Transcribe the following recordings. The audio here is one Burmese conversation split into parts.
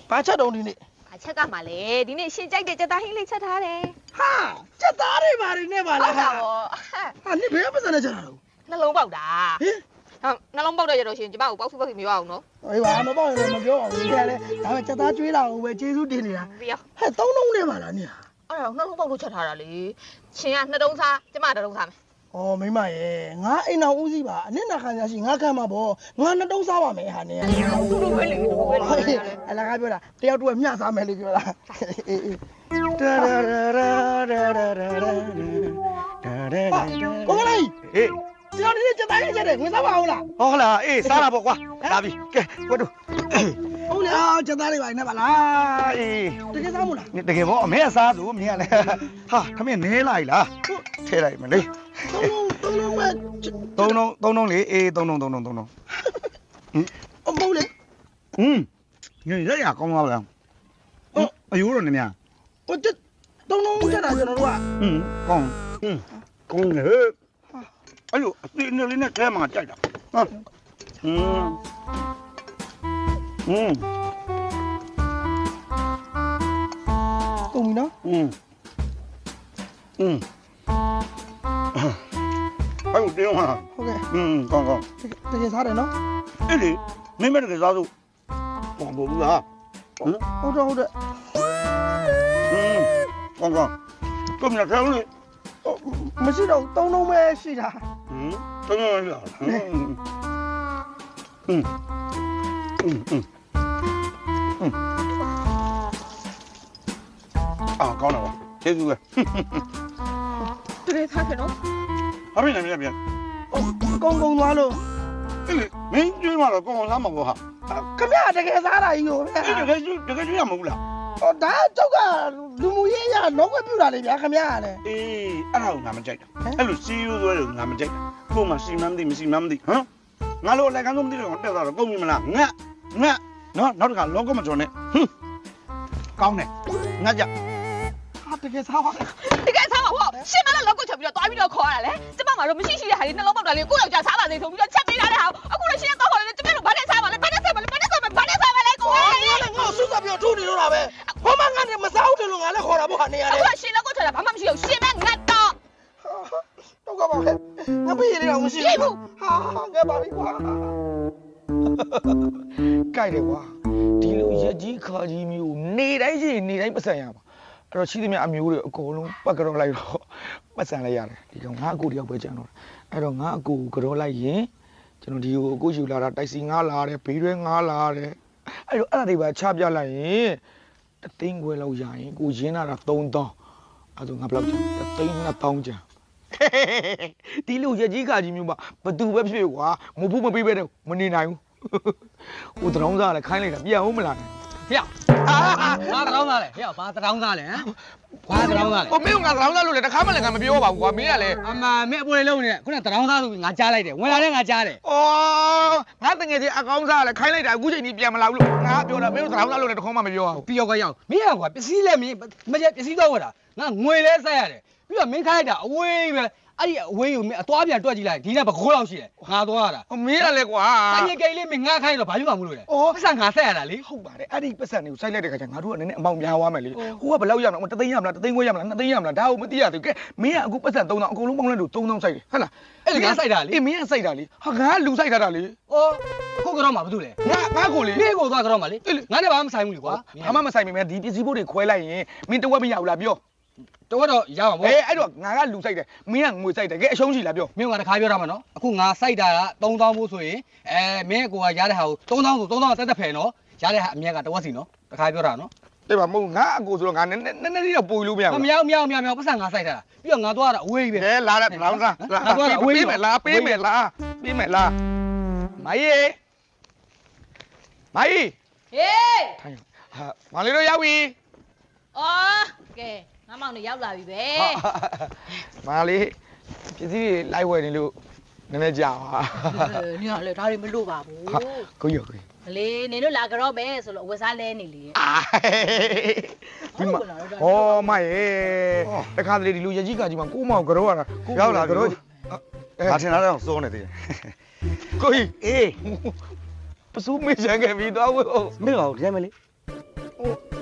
ဘာချက်တုံးဒီနေ့အချက်ကမှလေဒီနေ့ရှင်ကြိုက်တဲ့ကြက်သားဟင်းလေးချက်ထားတယ်ဟာချက်သားတွေပါနေပါလားဟာနင်ဘယ်ပတ်စံနဲ့ချက်တာတော့နှလုံးပေါက်တာဟင်နှလုံးပေါက်တော့ရတော့ရှင်ကျမကိုပေါက်ဖူးမပြောအောင်နော်အေးပါမပေါက်ရင်မပြောအောင်ဒီကလည်းဒါပဲချက်သားကျွေးလာအောင်ပဲကျေးဇူးတင်နေတာပြီးရောဟဲ့သုံးလုံးနဲ့ပါလားနင်အဲ့တော့နှလုံးပေါက်လို့ချက်ထားတာလေရှင်ကနှစ်တုံးစားကျမတစ်တုံးစားမယ်ဩမိမရဲ့ငါအိမ်တော်ဦးစီးပါအနစ်နာခံရရှိငါခံမှာပေါ့ငါနှစ်တုံးစားပါမယ်ဟာနင်သူတို့ပဲလေအလကားပြောတာတယောက်တူမျှစားမယ်လို့ပြောတာအေးကိုမလေးဟေးကျွန်တော်ဒီချက်သားလေးချက်တယ်ဝင်စားပါအောင်လားဟုတ်လားအေးစားတာပေါ့ကွာလာပြီကဲကွတ်တို့ဟုတ်လေအားချက်သားလေးပါနေပါလားအေးတကယ်စားမို့လားတကယ်ပေါ့အမေကစားသူမင်းကလည်းဟာခမင်းနဲလိုက်လားထဲလိုက်မလေးသုံးလုံးပဲသုံးလုံးလေအေးသုံးလုံးအမိုးလေညရကောင်းသွားလားအယိုးတော့နည်းများဟိုသုံးလုံးချက်တာကျွန်တော်တို့ကကောင်းကောင်းလေအဲ့လိုအသိနေလေးနဲ့ခဲမှာကြိုက်တာဟာကုန်ပြီနော်အဲ့လိုတင်းဟာဟုတ်ကဲ့ကောင်းတကယ်စားတယ်နော်အဲ့လေမင်းမတကယ်စားစို့ဘောဘူးလားဟုတ်တယ်ကောင်းကိုမြတ်ခဲလို့မရှိတော့သုံးလုံးပဲရှိတာသုံးလုံးလားကောင်းတော့ကျေးဇူးပဲတကယ်စားတယ်နော်ဟာမင်းလည်းပြန်ကုန်းသွားလို့မင်းကျွေးမှတော့ကောင်းစားမှာပေါ့ဟာခင်ဗျာတကယ်စားတာကြီးကိုတကယ်ကျွေးရမဟုတ်လားဒါကျောက်ကလူမှုရေးရလောကပြူတာလေဗျာခင်ဗျာကလည်းအေးအဲ့ဒါကိုငါမကြိုက်တာအဲ့လိုစီးရိုးသွဲလို့ငါမကြိုက်တာကို့မှာစီမမ်းသိမရှိမှန်းမသိဟမ်ငါလိုလည်းကန်းဆုံးမသိတော့တက်သွားတော့ကုန်ပြီမလားငါနော်နောက်တစ်ခါလောကမကျော်နဲ့ကောင်းတယ်ငါကြဟာတကယ်စားပါတကယ်စားပါဟောရှင်မလည်းလောက်ကိုချက်ပြီးတော့တွားပြီးတော့ခေါ်ရတာလေကျမမှာတော့မရှိတဲ့ဟာလေးနှလုံးပေါက်တာလေးကိုယ့်ယောက်ျားစားပါစေဆိုပြီးတော့ချက်ပေးထားတဲ့ဟာအခုလည်းရှင်တော့ခေါ်တယ်ကျမတို့ဘာနဲ့စားပါလဲဘာနဲ့စားပါလဲကိုငါဆုပ်ပြီးတော့ထိုးနေလို့လားပဲဟောမငါနဲ့မစားဘူးတယ်လို့ငါလည်းခေါ်တာပေါ့ဟာနေရတယ်အခုရှင်လောက်ကိုချက်တာဘာမှမရှိဘူးရှင်မဲငတ်တော့တော့ကပါပဲငါပြေးရအောင်မရှိဘူးဟာငါပါပြီကွာကြိုက်တယ်ကွာဒီလိုရက်ကြီးခါကြီးမျိုးနေတိုင်းရှိနေတိုင်းပတ်စံရပါအဲ့တော့ရှိသမျှအမျိုးတွေအကုန်လုံးပတ်ကြောလိုက်တော့ပတ်စံလိုက်ရတယ်ဒီကောင်ငါအကူတယောက်ပဲကြံတော့အဲ့တော့ငါအကူကြောလိုက်ရင်ကျွန်တော်ဒီကိုအကူယူလာတာတိုက်စီငါလာတယ်ဘေးတွဲငါလာတယ်အဲ့တော့အဲ့ဒါတွေပါချပြလိုက်ရင်တသိန်းခွဲလောက်ရရင်ကိုရင်းလာတာ3000အဲ့ဒါငါဘယ်လောက်ကျန်တသိန်း2000ကျန်ဒီလိုရက်ကြီးခါကြီးမျိုးပါဘသူပဲဖြစ်ကွာမဖို့မပေးပဲတော့မနေနိုင်ဘူးဟိုတရောင်းစားလဲခိုင်းလိုက်တာပြန်ဦးမလားဖျက်ဘာတရောင်းသားလဲဖျက်ဘာတရောင်းသားလဲဟမ်ဘာတရောင်းသားလဲဟိုမင်းကငါတရောင်းသားလို့လေတခါမှလည်းငါမပြောပါဘူးကွာမင်းကလည်းအမမင်းအပေါ်လေးလုံးနေခုနတရောင်းသားဆိုပြီးငါကြားလိုက်တယ်ဝင်လာတဲ့ငါကြားတယ်ဩငါတငယ်ချင်းအကောင်းစားလဲခိုင်းလိုက်တာအခုချိန်ကြီးပြန်မလာဘူးလို့ငါပြောတာမင်းတို့တရောင်းသားလို့လည်းတခေါမှမပြောပါဘူးပြီးတော့ကရောက်မင်းကကွာပစ္စည်းလဲမင်းမကျပစ္စည်းတော့ဝတ်တာငါငွေလဲဆက်ရတယ်ပြီးတော့မင်းခိုင်းလိုက်တာအဝေးပဲအဲ့ဒီအဝေးကိုမင်းအသွားပြန်တွက်ကြည့်လိုက်ဒီနေ့ဘကိုးလောက်ရှိတယ်ငါသွားရတာမင်းကလည်းကွာဆိုင်ကိန်းလေးမင်းငါခိုင်းတော့ဘာဖြစ်မှာမလို့လဲပတ်စံငါဆက်ရတာလေဟုတ်ပါတယ်အဲ့ဒီပတ်စံတွေကိုစိုက်လိုက်တဲ့ခါကျငါတို့ကနည်းနည်းအမောင်များသွားမယ်လေဟိုကဘယ်လောက်ရမလဲတသိန်းရမလားတသိန်းခွဲရမလား2သိန်းရမလားဒါကိုမသိရသေးဘူးကဲမင်းကအခုပတ်စံ3000အကုန်လုံးပေါင်းလိုက်လို့3000စိုက်တယ်ဟုတ်လားအဲ့ဒီငါစိုက်တာလေအေးမင်းကစိုက်တာလေဟာငါလူစိုက်ထားတာလေဩခုကတော့မှဘာလို့လဲငါကိုလေမင်းကိုသွားကတော့မှလေငါနဲ့ဘာမှမဆိုင်ဘူးလေကွာဘာမှမဆိုင်မိမယ်ဒီပစ္စည်းဘိုးတွေခွဲလိုက်ရင်မင်းတဝက်မရဘူးလားပြောတော့ရမှာပေါ့အဲ့တော့ငါကလူစိုက်တယ်မင်းကငွေစိုက်တယ်ကဲအရှုံးရှိလားပြောမင်းကတခါပြောတာမှာနော်အခုငါစိုက်တာက3000ဖို့ဆိုရင်မင်းကိုကရတဲ့ဟာကို3000ဆို3000တက်တက်ဖယ်နော်ရတဲ့ဟာအမြက်ကတဝက်စီနော်တခါပြောတာနော်အေးပါမဟုတ်ငါအကိုဆိုတော့ငါနည်းနည်းလေးတော့ပို့လို့မရဘူးမရပတ်စံငါစိုက်တာပြီးတော့ငါသွားတာအဝေးပဲလာတဲ့လောင်းစားငါသွားတာအဝေးပေးမယ်လားပေးမယ်လားမကြီးဟေးဟာမလေးတို့ရောက်ပြီအော်ကဲငါမောင်နေရောက်လာပြီပဲမလေးပစ္စည်းတွေလိုက်ဝယ်နေလို့နည်းနည်းကြာပါညလေဒါတွေမလို့ပါဘူးကိုရလေနင်တို့လာကြတော့ပဲဆိုလို့အဝတ်စားလဲနေလေဒီမှာဟောမရဲ့တခါတလေဒီလူရကြီးကကြီးမှာကိုမောင်ကြောရတာရောက်လာကြောငါထင်တာတော့စိုးနေသေးတယ်ကိုကြီးအေးပစိုးမေးချင်ခဲ့ပြီးတော့မင်းကရိုက်မလေး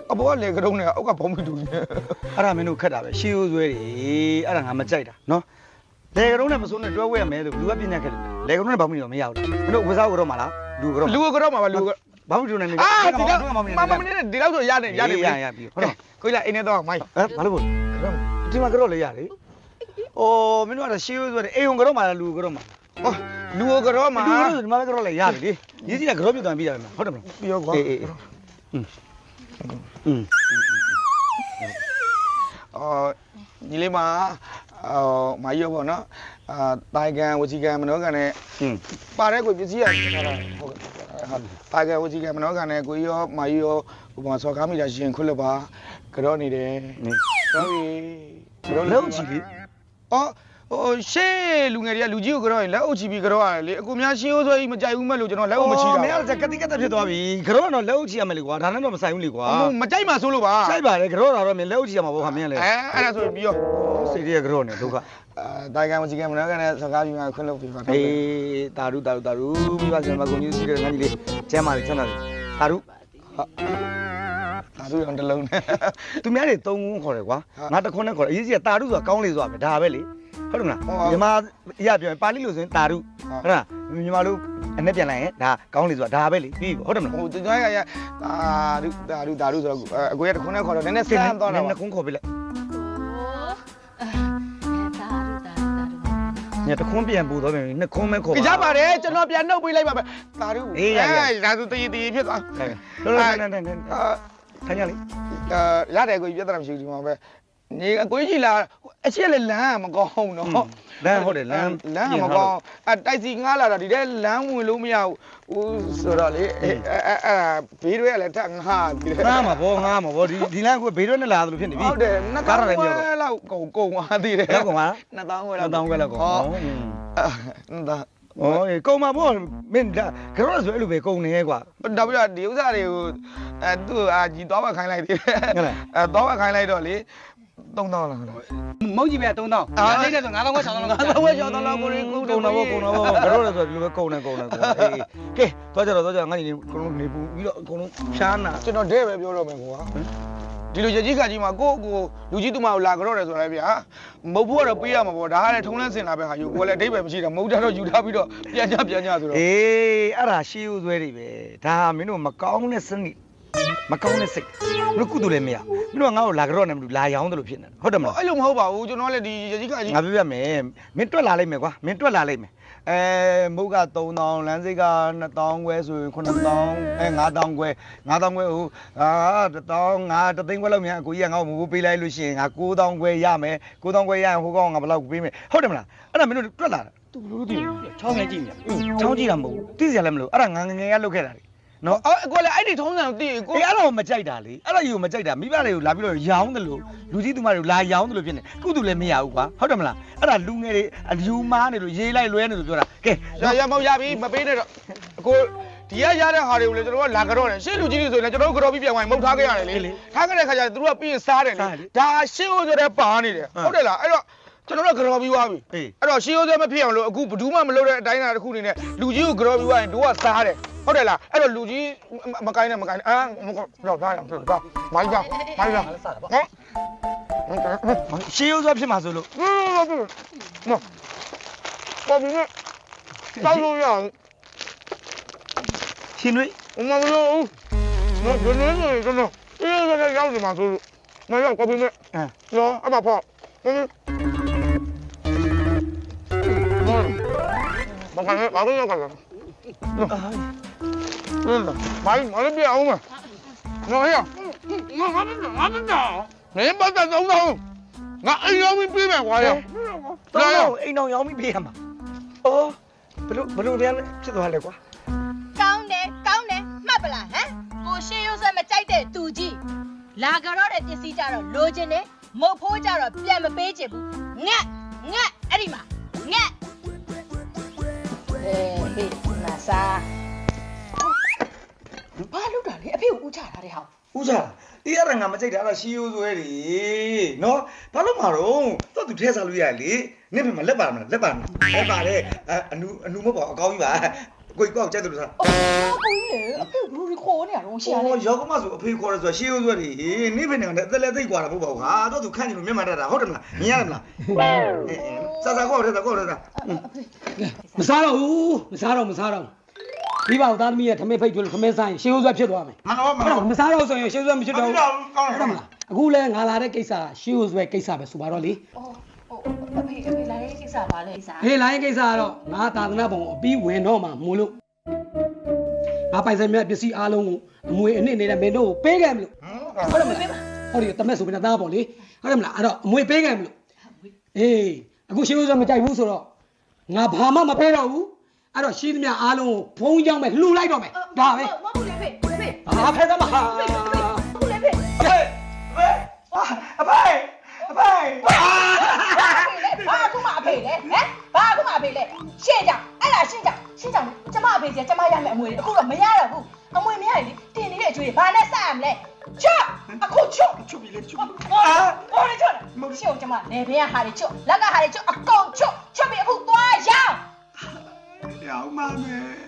အပေါ်ကလေကတုံးနဲ့အောက်ကဘောင်းမီတူကြီးအဲ့ဒါမင်းတို့ခက်တာပဲရှေးရိုးဆွဲတွေအဲ့ဒါငါမကြိုက်တာနော်လေကတုံးနဲ့မစိုးနဲ့တွဲဝဲရမယ်လို့လူကပြညာခက်တယ်လေကတုံးနဲ့ဘာမှမနေတော့မရဘူးမင်းတို့ဝစားကတော့မလားလူကတော့လူကတော့မှာပါလူကဘာမှမတူနဲ့နေအာဒီတော့မမနေဒီတော့ဆိုရတယ်ပြီဟုတ်တော့ကိုကြီးလာအိမ်ထဲတော့မိုင်းဘာလို့ဒီမှာကတော့လေရတယ်အိုးမင်းတို့ကရှေးရိုးဆွဲတယ်အိမ်ုံကတော့မလားလူကတော့မဟောလူကတော့မှာလူကတော့ဒီမှာကတော့လေရတယ်လေရေးကြည့်တာကတော့ပြတ်သွားပြီးရတယ်မဟုတ်တယ်မလားပြီးရောကွာအေးညီလေးမမာကြီးရောပေါ့နော်တိုင်ကန်ဝစီကန်မနောကန်နဲ့ပါတဲ့ကိုပစ္စည်းရထားတာဟုတ်တိုင်ကန်ဝစီကန်မနောကန်နဲ့ကိုရောမာကြီးရောဟိုမှာစော်ကားမိတာရှင်ခွတ်လို့ပါကြောနေတယ်ဟုတ်ပြီကြောလုံးချီလေအော်ဟိုရှေ့လူငယ်တွေကလူကြီးကိုကြောရင်လက်အုပ်ချီပြီးကြောရတယ်လေအကူများရှင်းရိုးဆွဲကြီးမကြိုက်ဘူးမဲ့လို့ကျွန်တော်လက်အုပ်မချီတာမင်းကကတိကတ်ဖြစ်သွားပြီကတော့တော့လက်အုပ်ချီရမယ်လေကွာဒါနဲ့တော့မဆိုင်ဘူးလေကွာမကြိုက်မှဆိုလို့ပါဆိုင်ပါလေကတော့တော့မင်းလက်အုပ်ချီရမှာပေါ့ခါမင်းလေအဲ့ဒါဆိုပြီးရောစိတ်ရကတော့နေဒုက္ခတိုင်ကန်ဝစီကန်မနောကန်နဲ့စော်ကားပြီးမှခွတ်လို့ပြပါတော့အေးတာရုမိဘကျွန်မကုန်ကြီးစီးတဲ့ငန်းကြီးလေးကျမ်းပါလေချမ်းသာတယ်တာရုဒါသူရောတလုံးနဲ့သူများတွေ3ခုခေါ်တယ်ကွာငါတခွန်းနဲ့ခေါ်တယ်အရေးကြီးကတာရုဆိုတာကောင်းလေဆိုတာပဲဒါပဲလေဟုတ်တယ်မလားမြန်မာအရာပြောရင်ပါဠိလိုဆိုရင်တာရုဟုတ်လားမြန်မာလိုအနဲ့ပြန်လိုက်ရင်ဒါကောင်းလေဆိုတာဒါပဲလေပြီးပြီဟုတ်တယ်မလားဟိုကျွန်တော်ကဒါရုဆိုတော့အကိုရတခွန်းနဲ့ခေါ်တော့နည်းနည်းဆန်းသွားတာနှစ်ခုခေါ်ပြလိုက် ညတခွန်းပြန်ပူတော့ပြန်နှစ်ခွန်းမဲခေါ်ကြပါတယ်ကျွန်တော်ပြန်နှုတ်ပေးလိုက်ပါမယ်ဒါရုဒါဆိုတည်ဖြစ်သွားလောလောဆန်းထိုင်ရလေရတယ်ကိုပြဿနာမရှိဘူးဒီမှာပဲနေအကိုကြီးလာအချက်လည်းလမ်းမကောင်းနော်လမ်းဟုတ်တယ်လမ်းမကောင်းတိုက်စီငားလာတာဒီထဲလမ်းဝင်လို့မရဘူးဆိုတော့လေအဲ့ဘေးတွေကလည်းထပ်ငားပြီးတယ်ငားမှာဗောဒီလမ်းကဘေးရွက်နဲ့လာသလိုဖြစ်နေပြီဟုတ်တယ်2000လောက်ကုန်သွားသေးတယ်လောက်ကုန်ပါ 2000ခွဲလောက် 2000ခွဲလောက်ကုန်ဒါဩကုန်မှာဗောမင်းဒါကတော့ဆိုအဲ့လိုပဲကုန်နေကွာဒါပြီးတော့ဒီဥစ္စာတွေကိုသူ့ကြီးသွားမခိုင်းလိုက်သေးတယ်သွားမခိုင်းလိုက်တော့လေ3000လားမုတ်ကြီးပဲ3000လိမ့်နေဆို9000ခွဲ6000လောက် 5000ခွဲ6000လောက်ကိုကုန်ကုန်တော့ဗောကတော့ဆိုဒီလိုပဲကုန်နေအေးကဲသွားကြတော့ငါညီအကုန်လုံးနေပူပြီးတော့အကုန်လုံးဖြားနာကျွန်တော်တဲ့ပဲပြောတော့မယ်ကွာဒီလိုရကြီးခါကြီးမှာကိုလူကြီးတူမကိုလာကြောတယ်ဆိုရဲဗျာမဟုတ်ဘူးကတော့ပေးရမှာပေါ့ဒါကလည်းထုံးလန်းစင်လာပဲဟာယူကိုလည်းအတိတ်ပဲမရှိတာမဟုတ်တော့ယူထားပြီးတော့ပြန်ကြဆိုတော့အေးအဲ့ဒါရှေးဦးဆွဲတွေပဲဒါမင်းတို့မကောင်းတဲ့စနစ်မကောင်းတဲ့စိတ်ဘလို့ကုသိုလ်လည်းမရမင်းတို့ကငါ့ကိုလာကြောနဲ့မလို့လာရောင်းတယ်လို့ဖြစ်နေဟုတ်တယ်မလားအဲ့လိုမဟုတ်ပါဘူးကျွန်တော်လည်းဒီရကြီးခါကြီးငါပြပြမယ်မင်းတွက်လာလိုက်မယ်ကွာမင်းတွက်လာလိုက်မယ်မုတ်က3000လမ်းစိတ်က2000ခွဲဆိုရင်9000 5000ခွဲဟို1000ငါတသိန်းခွဲလောက်မြန်အကိုကြီးကငါ့ကိုမိုးပေးလိုက်လို့ရှိရင်ငါ9000ခွဲရမယ်9000ခွဲရရင်ဟိုကောင်ငါဘယ်လောက်ပေးမယ်ဟုတ်တယ်မလားအဲ့ဒါမင်းတို့တွက်လာတာသူဘလို့သိချောင်းငယ်ကြည့်နေချောင်းကြည့်တာမဟုတ်ဘူးသိစရာလည်းမလိုအဲ့ဒါငါငယ်ကလုတ်ခဲ့တာလေနော်အကိုလည်းအဲ့ဒီထုံးစံတည်ကိုအေးအဲ့ဒါကိုမကြိုက်တာလေအဲ့ဒါကြီးကိုမကြိုက်တာမိဘတွေကိုလာပြီးတော့ရောင်းတယ်လို့လူကြီးသူမတွေကိုလာရောင်းတယ်လို့ဖြစ်နေကုသူလည်းမရဘူးကွာဟုတ်တယ်မလားအဲ့ဒါလူငယ်တွေအလူမားနေလို့ရေးလိုက်လွဲနေလို့ပြောတာကဲရမောက်ရပြီမပေးနဲ့တော့အကိုဒီရတဲ့ဟာတွေကိုလည်းကျွန်တော်ကလာကြောတယ်ရှေ့လူကြီးတွေဆိုရင်ကျွန်တော်ကြောပြီးပြန်ဝင်မုတ်ထားခဲ့ရတယ်လေထားခဲ့တဲ့ခါကျသူတို့ကပြီးရင်စားတယ်လေဒါရှေ့ဦးဆိုတဲ့ပါနေတယ်ဟုတ်တယ်လားအဲ့တော့ကျွန်တော်တို့ကြောပြီးသွားပြီအဲ့တော့ရှေ့ဦးဆိုမဖြစ်အောင်လို့အခုဘယ်သူမှမလုပ်တဲ့အတိုင်းအတာတစ်ခုနေနဲ့လူကြီးကိုကြောပြီးသွားရင်တို့ကစားတယ်ဟုတ်တယ်လားအဲ့တော့လူကြီးမကိုင်းနဲ့အာတော့ထားရအောင်တော့မိုင်းပါဟမ်ရှေးရိုးစွာဖြစ်မှာဆိုလို့နော်ဘာဖြစ်လဲတောက်လို့ရအောင်ရှင်တွေမမလို့နော်ဒီနေ့ဆိုကျွန်တော်အေးကရောက်နေမှာဆိုလို့မရောက်ကောပြီးမဲ့နော်အမဖောက်မကန်ဘာလို့ရောက်ကြလဲမိုင်းပြအောင်မနော်ဟဲ့ငါနေပတ်တော့ငါအိမ်ရောက်ပြီးမယ်ကွာရောတော့အိမ်တော်ရောင်းပြီးပေးရမှာအော်ဘလို့ပြန်ဖြစ်သွားလဲကွာကောင်းတယ်မှတ်ပလားဟမ်ကိုရှေးရိုးဆွဲမကြိုက်တဲ့သူကြီးလာကြတော့တဲ့ပစ္စည်းကြတော့လိုချင်တယ်မုတ်ဖိုးကြတော့ပြန်မပေးချင်ဘူးငက်အဲ့ဒီမှာငက်ဟေးနာစာဘာလုပ်တာလဲအဖေကိုဦးချထားတဲ့ဟောင်းဦးစားအေးအဲ့ဒါငါမကြိုက်တာအဲ့ဒါရှေးရိုးစွဲတွေနော်ဘာလို့မှာတော့သူထဲစားလို့ရလေနင့်ဘယ်မှာလက်ပါမလားလက်ပါတယ်အနူမဟုတ်ပါအကောင်းကြီးပါကိုကောက်ကြိုက်တယ်လို့စားကိုကြီးလေအဖေဘလူးခေါ်နေရတော့ရှေ့ရတယ်ရောက်မှဆိုအဖေခေါ်ရဲဆိုရှေးရိုးဆွဲတွေနေဖေနေကအသက်လည်းသိကွာတာမဟုတ်ပါဘူးဟာတော့သူခန့်နေလို့မျက်မှန်တတ်တာဟုတ်တယ်မလားမြင်ရတယ်မလားစားကောက်တယ်စားကောက်တယ်စားမစားတော့ဘူးမစားတော့ဒီပါသားသမီးရဲ့ထမင်းဖိတ်ကျွလို့ထမင်းဆိုင်ရှေးဥစွဲဖြစ်သွားမယ်မနော်မအဲ့နော်တော့မစားတော့ဆိုရင်ရှေးဥစွဲမဖြစ်တော့ဘူးကောင်းတယ်အခုလဲငါလာတဲ့ကိစ္စရှေးဥစွဲကိစ္စပဲဆိုပါတော့လေအဖေလာတဲ့ကိစ္စပါလေကိစ္စဟေးလိုင်းကိစ္စကတော့ငါသာသနာပုံအပြီးဝင်တော့မှမို့လို့ငါပိုင်ဆိုင်မြတ်ပစ္စည်းအားလုံးကိုအမွေအနှစ်နေတဲ့မင်းတို့ကိုပေးခဲ့မလို့ဟုတ်တယ်မလားဟုတ်တယ်တမက်ဆိုပြီးသားပေါ့လေဟုတ်တယ်မလားအဲ့တော့အမွေပေးခဲ့မလို့အေးအခုရှေးဥစွဲမကြိုက်ဘူးဆိုတော့ငါဘာမှမပေးတော့ဘူးအဲ့တော့ရှိသမျှအားလုံးကိုဘုံကြောင်းပဲလှူလိုက်တော့မယ်ဒါပဲမဟုတ်လေဖေဖေဟာဖဲသမားဟာဟုတ်လေဖေအဖေအဖေဘာခုမှအဖေလေဟမ်ဘာခုမှအဖေလေရှင်းကြအဲ့ဒါရှင်းကြကျမအဖေစီကျမရမယ်အမွေအခုတော့မရတော့ဘူးအမွေမရရင်လေတင်နေတဲ့အကျွေးဘာနဲ့စရမလဲချွတ်အခုချွတ်ချုပ်ပြီလေချုပ်ဟောလေချွတ်ရှင်းကျမလေဘဲဟာလေချွတ်လက်ကဟာလေချွတ်အကုန်ချွတ်ပြီးအခုသွားရောင်းရအောင်မမယ်